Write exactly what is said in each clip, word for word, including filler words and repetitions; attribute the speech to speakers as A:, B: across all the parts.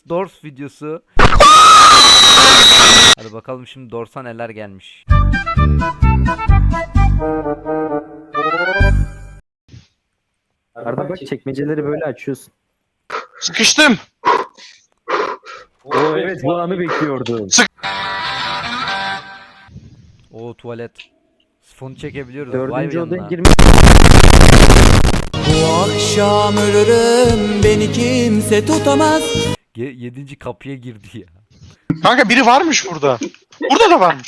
A: Doors videosu. Hadi bakalım şimdi Doors'a neler gelmiş.
B: Arda bak, çekmeceleri böyle açıyorsun.
C: Sıkıştım.
B: Oo evet, bu anı bekliyordum.
A: Oo, tuvalet. Sifonu çekebiliyoruz. Vay
B: Dördüncü odaya
A: yanına.
B: girmek.
D: Bu akşam ölürüm, beni kimse tutamaz.
A: Ge- yedinci kapıya girdi ya.
C: Kanka biri varmış burada. Burada da varmış.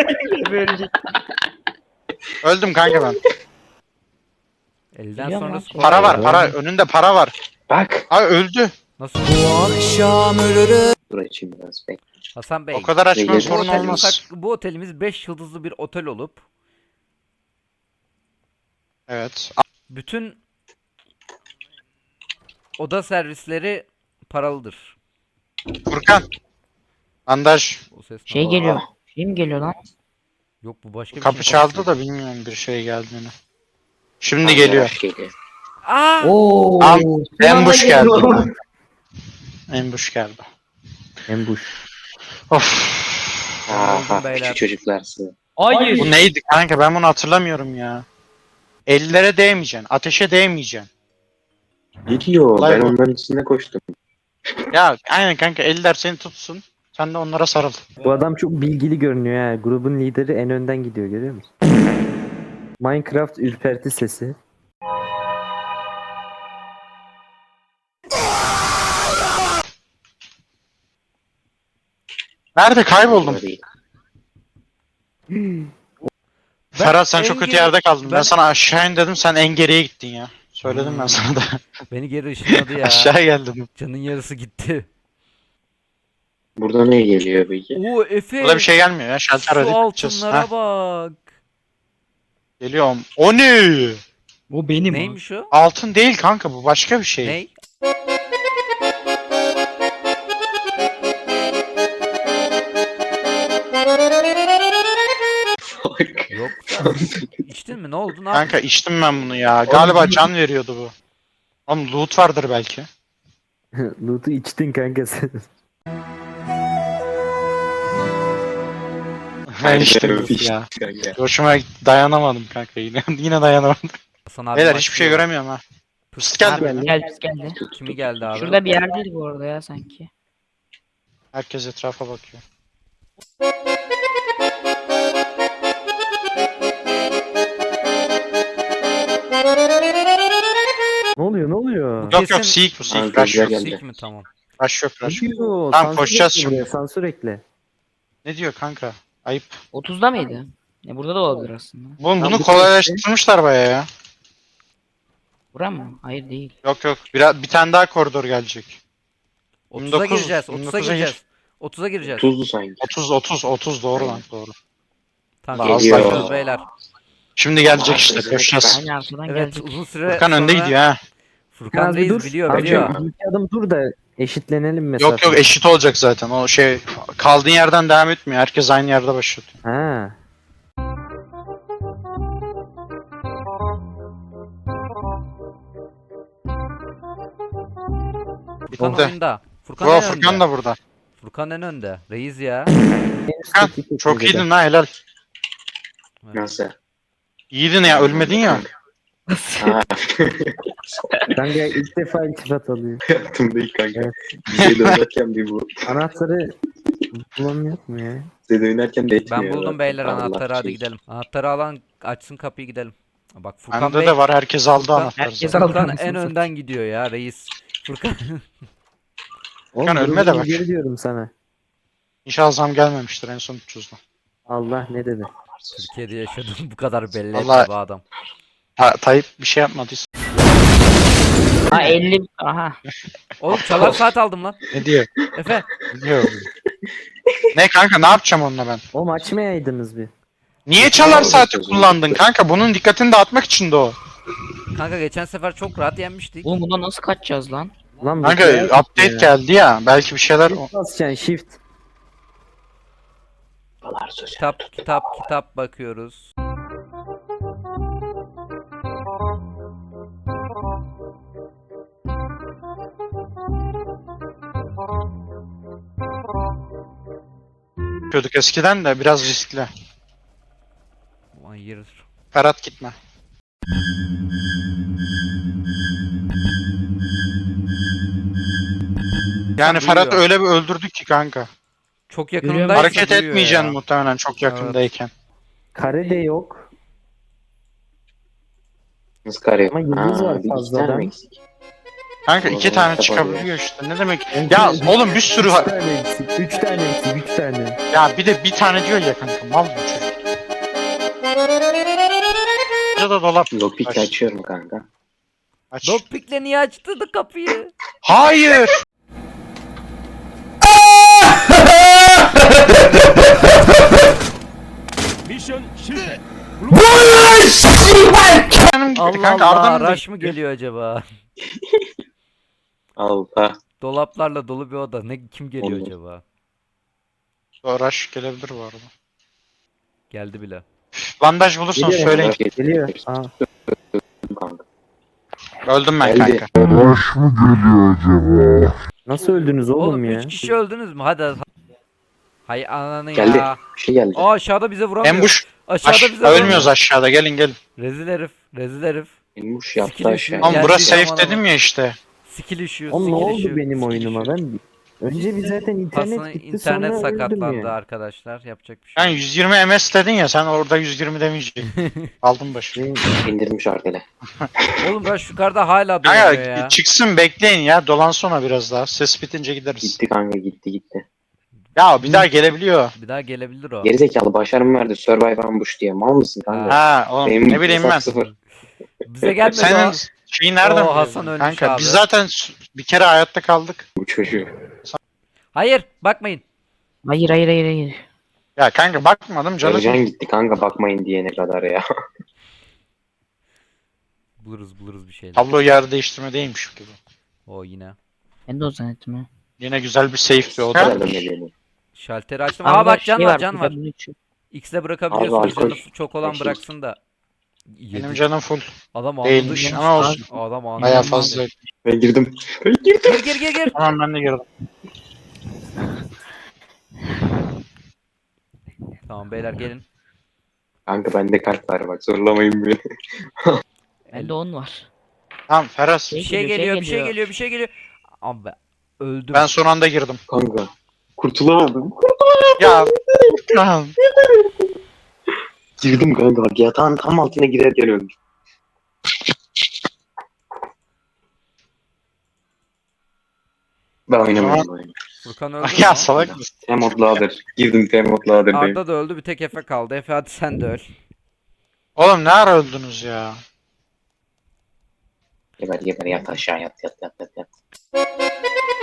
C: Öldüm kanka ben.
A: Elden
E: Biliyor
A: sonra
E: musun?
C: Para var para. Önünde para var.
F: Bak.
C: Abi öldü.
A: nasıl?
D: Bu akşam ölürüm.
F: Dur açayım biraz bekle.
A: Hasan Bey.
C: O kadar açman
F: Beyler,
C: sorun
A: bu, otelimiz,
C: olmaz.
A: hak- bu otelimiz beş yıldızlı bir otel olup
C: Evet.
A: bütün oda servisleri paralıdır.
C: Furkan. Bandaj.
A: O ses ne?
E: Şey
A: Aa,
E: geliyor. Şey mi geliyor lan?
A: Yok, bu başka bir
C: Kapı
A: şey.
C: çaldı da bilmiyorum bir şey geldiğini. Şimdi geliyor.
F: Geliyor.
A: Aa!
E: Oo.
C: Am Ambush geldi. Ambush geldi.
B: Embuş.
C: Of.
F: Aha
A: beyler.
F: küçük çocuklarsı.
E: Hayır.
C: Bu neydi kanka, ben bunu hatırlamıyorum ya. Ellere değmeyeceksin. Ateşe değmeyeceksin.
F: Gidiyor.
C: Olay
F: Ben
C: bu.
F: onların içinde koştum.
C: Ya aynen kanka, eller seni tutsun. Sen de onlara sarıl.
B: Bu adam çok bilgili görünüyor ha. Grubun lideri en önden gidiyor, görüyor musun? Minecraft ürperti sesi.
C: Nerede kayboldum?
F: Orada değil.
C: Ferhat sen
A: en
C: çok kötü
A: geri-
C: yerde kaldın. Ben,
A: ben-
C: sana aşağı in dedim, sen en geriye gittin ya. Söyledim ben
A: Hmm.
C: sana da.
A: Beni geri ışınladı ya.
C: Aşağı geldim.
A: Canın yarısı gitti.
F: Burada ne geliyor peki?
A: Oo Efe.
C: Burada bir şey gelmiyor ya. Şalter
A: Su
C: hadi gideceğiz.
A: altınlara
C: Heh,
A: bak.
C: geliyorum. O ne?
E: Bu benim.
A: Neymiş o?
C: Altın değil kanka, bu başka bir şey.
A: Ney?
F: Fuck.
A: Yok. İçtin mi? Ne oldu? Ne
C: Kanka içtim ben bunu ya. Galiba can veriyordu bu. Oğlum loot vardır belki.
B: Loot'u içtin kanka sen.
C: Ben içtim loot ya. Hoşuma gitti, dayanamadım kanka yine. Yine dayanamadım.
A: Hasan abi
C: Beyler
A: maç
C: hiçbir şey
A: diyor.
C: göremiyorum ha. Pıst geldi
A: Abi,
C: mi?
E: Geldi geldi.
A: Kimi geldi abi?
E: Şurada bir yerdeydi bu arada ya sanki.
C: Herkes etrafa bakıyor.
B: Ne oluyor, ne oluyor?
A: Bu
C: Yok yok,
A: kesin-
C: seek bu seek.
F: Kanka,
C: Rush yok.
F: güzel geldi.
A: Sik mi? Tamam.
C: Rush yok
B: Ne
C: rush yok.
B: diyor?
C: Tamam,
B: Sansür
C: koşacağız
B: ekle
C: şimdi.
B: buraya, sansür ekle.
C: Ne diyor kanka? Ayıp.
E: otuzda mıydı? Ya burada da olabilir aslında.
C: Bunu, bunu
B: bu
C: kolaylaştırmışlar bayağı ya.
E: Bura mı? Hayır değil.
C: Yok yok, bir, bir tane daha koridor gelecek.
A: otuza
C: dokuz,
A: gireceğiz. otuza
C: dokuz'a gir.
A: gireceğiz. otuza gireceğiz.
F: Tuzlu sanki.
C: otuz otuz otuz doğru lan, doğru.
A: Tamam.
C: Az
F: Geliyor.
A: Geliyoruz beyler.
C: Şimdi gelecek
F: Aa,
C: işte,
F: evet.
C: koşacağız.
E: Aynı arkadan
A: Evet,
E: geldik.
A: uzun süre
C: Furkan önde
A: sonra-
C: gidiyor ha.
A: Furkan
B: Az bir
A: Reis
B: dur.
A: biliyor,
B: Abi,
A: biliyor.
B: bir iki adım dur da eşitlenelim mesela.
C: Yok yok, eşit olacak zaten. O şey, kaldığın yerden devam etmiyor. Herkes aynı yerde başlatıyor.
B: Ha.
A: Furkan
C: Oldu.
A: oyunda. Furkan
C: Bu
A: en
C: Furkan
A: önde.
C: da burada.
A: Furkan en önde. Reis ya.
C: Furkan çok iyiydin lan, helal.
F: Nasıl?
C: İyiydin ya, ölmedin ya.
F: Ha.
B: Kanka ilk defa iltifat alıyor.
F: Hayatımda ilk kanka.
B: Evet.
F: Bize dönerken bir bu.
B: Anahtarı bulamıyor mu ya?
F: Bize dönerken de etmiyor.
A: Ben buldum beyler
F: Allah
A: anahtarı, hadi
F: şey.
A: gidelim. Anahtarı alan açsın kapıyı, gidelim. Bak Furkan
C: Bende
A: Bey.
C: de var, herkes aldı
A: Furkan-
C: anahtarı
E: herkes
C: zaten.
E: aldı.
A: Furkan
E: anasını
A: en önden gidiyor ya reis. Furkan.
B: Oğlum,
C: Furkan ölme de
B: grubun
C: bak.
B: lideri diyorum sana.
C: İnşallah zam gelmemiştir en son üç yüzden.
B: Allah ne dedi?
A: Türkiye'de yaşadığım bu kadar belli
C: Vallahi-
A: etti bu adam.
C: Ta Tayyip bir şey yapmadıysa.
E: Ha elli. Aha.
A: Oğlum çalar saat aldım lan.
C: Ne diyor?
A: Efe.
C: Ne diyor? Ne kanka, ne yapacağım onunla ben?
B: Oğlum açmayaydınız bir.
C: Niye çalar saati kullandın kanka? Bunun dikkatini dağıtmak için de o.
A: Kanka geçen sefer çok rahat yenmiştik.
E: Oğlum bundan nasıl kaçacağız lan?
B: Lan bu
C: Kanka
B: şey-
C: update geldi ya. Belki bir şeyler...
B: Shift basacaksın, shift.
F: Babalar sözü.
A: Kitap kitap kitap bakıyoruz.
C: Yapıyorduk eskiden de biraz riskli.
A: Hayır.
C: Ferhat gitme. Yani Ferhat
A: Duyuyor.
C: öyle bir öldürdük ki kanka.
A: Çok
E: Yürüyorum.
A: yakınındaysa
C: Hareket
A: duyuyor
C: etmeyeceksin
A: ya.
C: muhtemelen çok yakındayken.
B: Kare de yok.
F: Nasıl kare?
B: Ama yıldız var
F: bir iki
B: fazladan.
F: tane mi eksik?
C: Kanka
F: O
C: iki
F: zaman
C: tane
F: kitap
C: çıkabiliyor işte. Ne demek? Ya oğlum bir sürü
B: Üç
C: var.
B: tane eksik. Üç tane eksik. Üç tane.
C: Ya bir de bir tane diyor ya kanka. Mal bu çocuk. Ya da dolap.
F: Lockpick'i
C: Aç.
F: açıyorum kanka.
C: Aç.
A: Lockpick'le niye açtırdı kapıyı?
C: Hayır. Benim gitti
A: Allah
C: kanka,
A: Allah,
C: Arda'nın da
A: rush mı
C: gitti.
A: geliyor acaba?
F: Allah.
A: Dolaplarla dolu bir oda. Ne kim geliyor
F: Olur.
A: acaba?
C: Rush gelebilir bu arada.
A: Geldi bile.
C: Bandaj bulursan
B: Geliyor.
C: söyleyin.
B: Geliyor. Aa.
F: Kanka.
C: Öldüm ben
F: Geldi.
C: kanka.
B: Nasıl öldünüz oğlum,
A: Oğlum
B: ya?
A: üç kişi öldünüz mü? Hadi. Hay ananı
F: Geldi.
A: ya.
F: Bir şey geldi.
A: Aa aşağıda bize vuramıyor.
C: Embuş.
A: Aşağıda
C: Aş
A: bize
C: ölmüyoruz
A: vuramıyor.
C: aşağıda. Gelin gelin.
A: Rezil herif. Rezil herif.
F: Elmuş yaptı
A: Skill
F: aşağı.
A: üşüyor.
C: Oğlum
A: Geldi,
C: burası safe
A: aman
C: dedim
A: aman.
C: ya işte.
A: Skill üşüyor.
B: Oğlum ne
A: skill
B: oldu
A: üşüyor,
B: benim
A: skill
B: oyunuma?
A: üşüyor.
B: Ben önce bir zaten internet
A: Aslında
B: gitti,
A: internet
B: sonra öldüm
A: sakatlandı
B: ya.
A: arkadaşlar. Yapacak bir şey
C: Yani
A: yok.
C: yüz yirmi M S dedin ya, sen orada yüz yirmi demeyecektin. Aldım başı.
B: Benim-
F: İndirmiş arkada.
A: Oğlum Rush yukarıda hala
C: Kanka
A: dolanıyor ya.
C: çıksın bekleyin ya, dolansana biraz daha. Ses bitince gideriz.
F: Gitti kanka, gitti gitti.
C: Ya bir daha gelebiliyor.
A: Bir daha gelebilir o.
F: Gerizekalı başarımı verdi Survive Ambush diye. Mal mısın kanka?
C: Ha oğlum
F: Benim
C: ne bileyim
F: hesap
C: ben.
F: Sıfır.
A: Bize gelmedi
C: Senin
A: o.
C: şeyi nereden
A: Oo,
C: biliyorsun?
A: Hasan ölmüş
C: Kanka
A: abi.
C: biz zaten s- bir kere hayatta kaldık.
F: Bu çocuğu.
A: Hayır bakmayın.
E: Hayır hayır hayır hayır.
C: Ya kanka bakmadım canım.
F: Sarıcan gitti kanka bakmayın diyene kadar ya.
A: Buluruz buluruz bir şeyler.
C: Tablo yer değiştirme değilmiş gibi.
A: O yine.
E: Ben de o zannettim ha.
C: Yine güzel bir safe bir oda.
F: Nereden geliyor?
A: Şalteri açtım.
E: Aa,
A: Aa bak can
E: şey
A: var can var.
E: güzel bir üçü.
A: X'le
F: Abi,
A: bırakabiliyorsunuz.
F: alkol.
A: Canı çok olan
F: Alkol.
A: bıraksın da.
C: Benim
A: Yedi.
C: canım full.
A: Adam anladı.
C: Değilmiş ama olsun.
A: Adam anladı.
C: Baya fazla.
F: Ben girdim. Ben girdim.
A: Gir gir gir gir.
C: Tamam ben de girdim.
A: Tamam beyler gelin.
F: Kanka bende kart var bak, zorlamayın beni.
E: Bende on var.
C: Tamam Ferhat.
A: Bir şey geliyor bir şey geliyor bir şey geliyor. Abi öldüm.
C: Ben son anda girdim.
F: Kanka. Kurtulamadım.
C: Ya. Tamam.
F: Girdim kanka bak, yatağın tam altına girerken öldüm. Ben oynamıyorum bu oyunu.
A: Furkan öldü.
C: Ya
A: mü?
C: salak mısın?
F: Temot Lader. Girdim Temot Lader'dayım.
A: Arda da öldü bir tek Efe kaldı. Efe hadi sen de öl.
C: Oğlum ne ara öldünüz ya?
F: Geber geber, yat aşağı, yat yat yat yat yat.